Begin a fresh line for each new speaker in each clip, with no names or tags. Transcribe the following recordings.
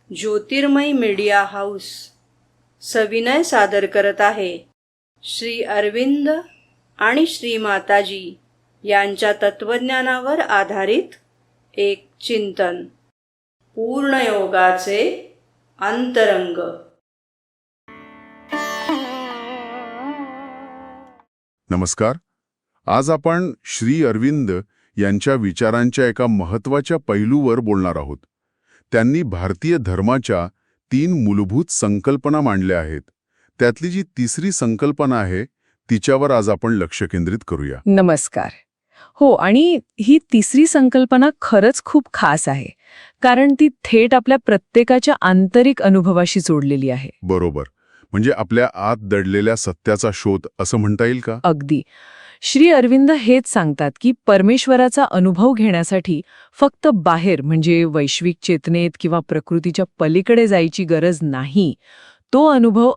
ज्योतिर्मय media house सविनय सादर करत आहे श्री अरविंद आणि श्री माताजी यांच्या तत्वज्ञानावर आधारित एक चिंतन, पूर्णयोगाचे अंतरंग.
नमस्कार. आज आपण श्री अरविंद यांच्या विचारांच्या एका महत्त्वाच्या पैलूवर बोलणार आहोत. त्यांनी भारतीय धर्माच्या 3 मूलभूत संकल्पना मांडल्या आहेत. त्यातली जी तिसरी संकल्पना आहे तिच्यावर आज आपण लक्ष केंद्रित करूया.
नमस्कार. हो, आणि ही तिसरी संकल्पना खरंच खूप खास आहे, कारण ती थेट आपल्या प्रत्येकाच्या आंतरिक अनुभवाशी जोडलेली आहे.
बरोबर. म्हणजे आपल्या आत दडलेल्या सत्याचा शोध असं म्हणता येईल का?
अगदी. श्री अरविंद हेच सांगतात की परमेश्वराचा अनुभव घेण्यासाठी फक्त बाहेर म्हणजे वैश्विक चेतनेत किंवा प्रकृतीच्या पलीकडे जायची गरज नाही. तो अनुभव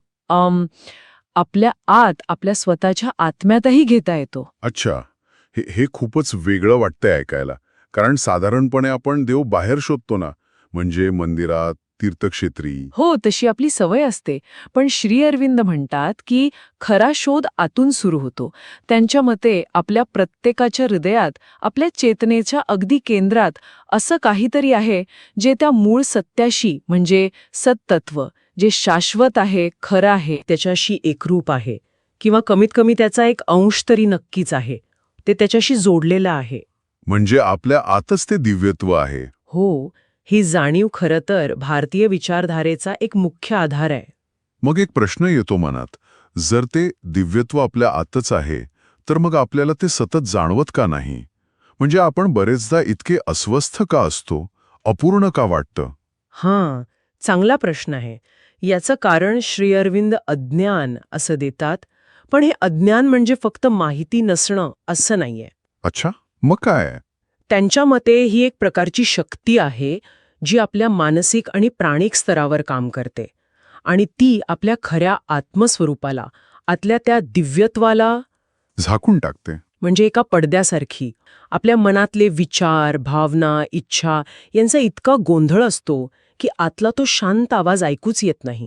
आपल्या आत, आपल्या स्वतःच्या आत्म्यातही घेता येतो.
अच्छा, हे खूपच वेगळं वाटतंय ऐकायला. कारण साधारणपणे आपण देव बाहेर शोधतो ना, म्हणजे मंदिरात, तीर्थक्षेत्री.
हो, तशी आपली सवय असते. पण श्री अरविंद म्हणतात की खरा शोध आतून सुरू होतो. त्यांच्या मते आपल्या प्रत्येकाच्या हृदयात, आपल्या चेतनेच्या अगदी केंद्रात असं काहीतरी आहे जे त्या मूळ सत्याशी म्हणजे सत्तत्व, जे शाश्वत आहे, खरं आहे,
त्याच्याशी एकरूप आहे, किंवा कमीत कमी त्याचा एक अंश तरी नक्कीच आहे. ते त्याच्याशी जोडलेलं आहे.
म्हणजे आपल्या आतच ते दिव्यत्व आहे.
हो, ही जाणीव खरं तर भारतीय विचारधारेचा एक मुख्य आधार आहे.
मग एक प्रश्न येतो मनात, जर ते दिव्यत्व आपल्या आतच आहे तर मग आपल्याला ते सतत जाणवत का नाही? म्हणजे आपण बरेचदा इतके अस्वस्थ का असतो, अपूर्ण का वाटतं?
हां, चांगला प्रश्न आहे. याचं कारण श्री अरविंद अज्ञान असं देतात. पण हे अज्ञान म्हणजे फक्त माहिती नसणं असं नाहीये.
अच्छा, मग काय?
त्यांच्या मते ही एक प्रकारची शक्ती आहे जी आपल्या मानसिक आणि प्राणिक स्तरावर काम करते, आणि ती आपल्या खऱ्या आत्मस्वरूपाला, आतल्या त्या दिव्यत्वाला
झाकून टाकते.
म्हणजे एका पडद्यासारखी. आपल्या मनातले विचार, भावना, इच्छा यांचा इतका गोंधळ असतो की आतला तो शांत आवाज ऐकूच येत नाही.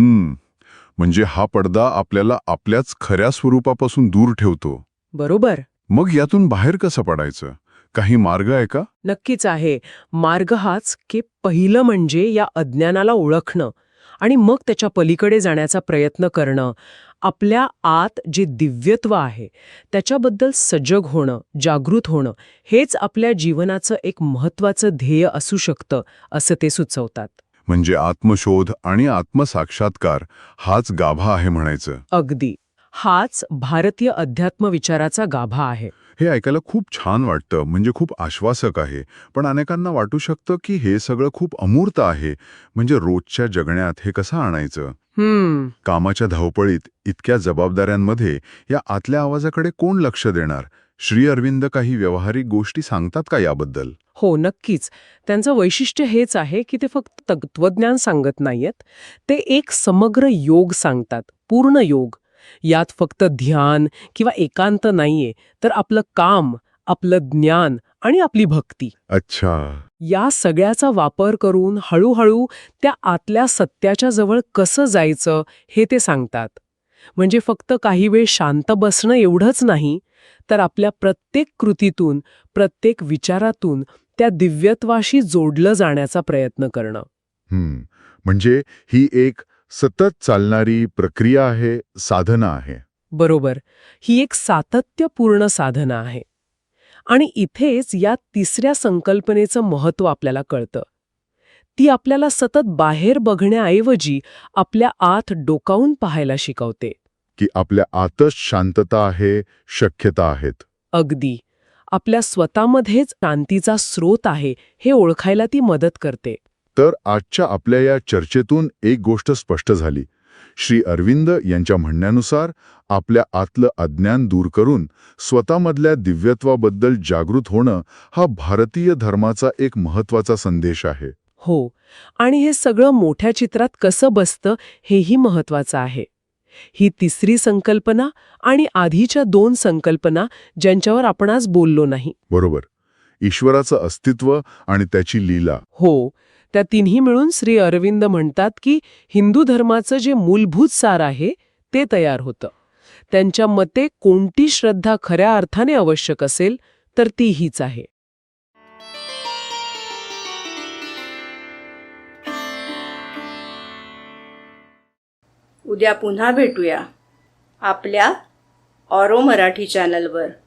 म्हणजे हा पडदा आपल्याला आपल्याच खऱ्या स्वरूपापासून दूर ठेवतो.
बरोबर.
मग यातून बाहेर कसं पडायचं? काही मार्ग आहे का?
नक्कीच आहे. मार्ग हाच की पहिलं म्हणजे या अज्ञानाला ओळखणं आणि मग त्याच्या पलीकडे जाण्याचा प्रयत्न करणं. आपल्या आत जे दिव्यत्व आहे त्याच्याबद्दल सजग होणं, जागृत होणं, हेच आपल्या जीवनाचं एक महत्त्वाचं ध्येय असू शकतं, असं ते सुचवतात.
म्हणजे आत्मशोध आणि आत्मसाक्षात्कार हाच गाभा आहे म्हणायचं.
अगदी. हाच भारतीय अध्यात्म विचाराचा गाभा आहे.
हे ऐकायला खूप छान वाटतं, म्हणजे खूप आश्वासक आहे. पण अनेकांना वाटू शकतं की हे सगळं खूप अमूर्त आहे. म्हणजे रोजच्या जगण्यात हे कसं आणायचं? कामाच्या धावपळीत, इतक्या जबाबदाऱ्यांमध्ये या आतल्या आवाजाकडे कोण लक्ष देणार? श्री अरविंद काही व्यावहारिक गोष्टी सांगतात का याबद्दल?
हो, नक्कीच. त्यांचं वैशिष्ट्य हेच आहे की ते फक्त तत्वज्ञान सांगत नाहीयेत, ते एक समग्र योग सांगतात, पूर्ण योग. यात फक्त ध्यान किंवा एकांत नाहीये, तर आपलं काम, आपलं ज्ञान आणि आपली भक्ती.
अच्छा.
या सगळ्याचा वापर करून हळूहळू त्या आतल्या सत्याच्या जवळ कसं जायचं हे ते सांगतात. म्हणजे फक्त काही वेळ शांत बसणं एवढंच नाही, तर आपल्या प्रत्येक कृतीतून, प्रत्येक विचारातून त्या दिव्यत्वाशी जोडलं जाण्याचा प्रयत्न करणं.
म्हणजे ही एक सतत चालणारी प्रक्रिया आहे, साधना आहे.
बरोबर. ही एक सातत्यपूर्ण साधना आहे. आणि इथेच या तिसऱ्या संकल्पनेचं महत्त्व आपल्याला कळतं. ती आपल्याला सतत बाहेर बघण्याऐवजी आपल्या आत डोकावून पाहायला शिकवते.
की आपल्या आतच शांतता आहे, शक्यता आहेत.
अगदी. आपल्या स्वतःमध्येच शांतीचा स्रोत आहे हे ओळखायला ती मदत करते.
तर आजच्या आपल्या या चर्चेतून एक गोष्ट स्पष्ट झाली. श्री अरविंद यांच्या म्हणण्यानुसार आपल्या आतलं अज्ञान दूर करून स्वतःमधल्या दिव्यत्वाबद्दल जागृत होणं हा भारतीय धर्माचा एक महत्त्वाचा संदेश आहे.
हो, आणि हे सगळं मोठ्या चित्रात कसं बसतं हेही महत्त्वाचं आहे. ही तिसरी संकल्पना आणि आधीच्या 2 संकल्पना ज्यांच्यावर आपण आज बोललो नाही.
बरोबर. ईश्वराचं अस्तित्व आणि त्याची लीला.
हो, त्या तिन्ही मिळून श्री अरविंद म्हणतात की हिंदू धर्माचं जे मूलभूत सार आहे ते तयार होतं. त्यांच्या मते कोणती श्रद्धा खऱ्या अर्थाने आवश्यक असेल तर ती हीच आहे.
उद्या पुन्हा भेटूया आपल्या ऑरो मराठी चॅनलवर.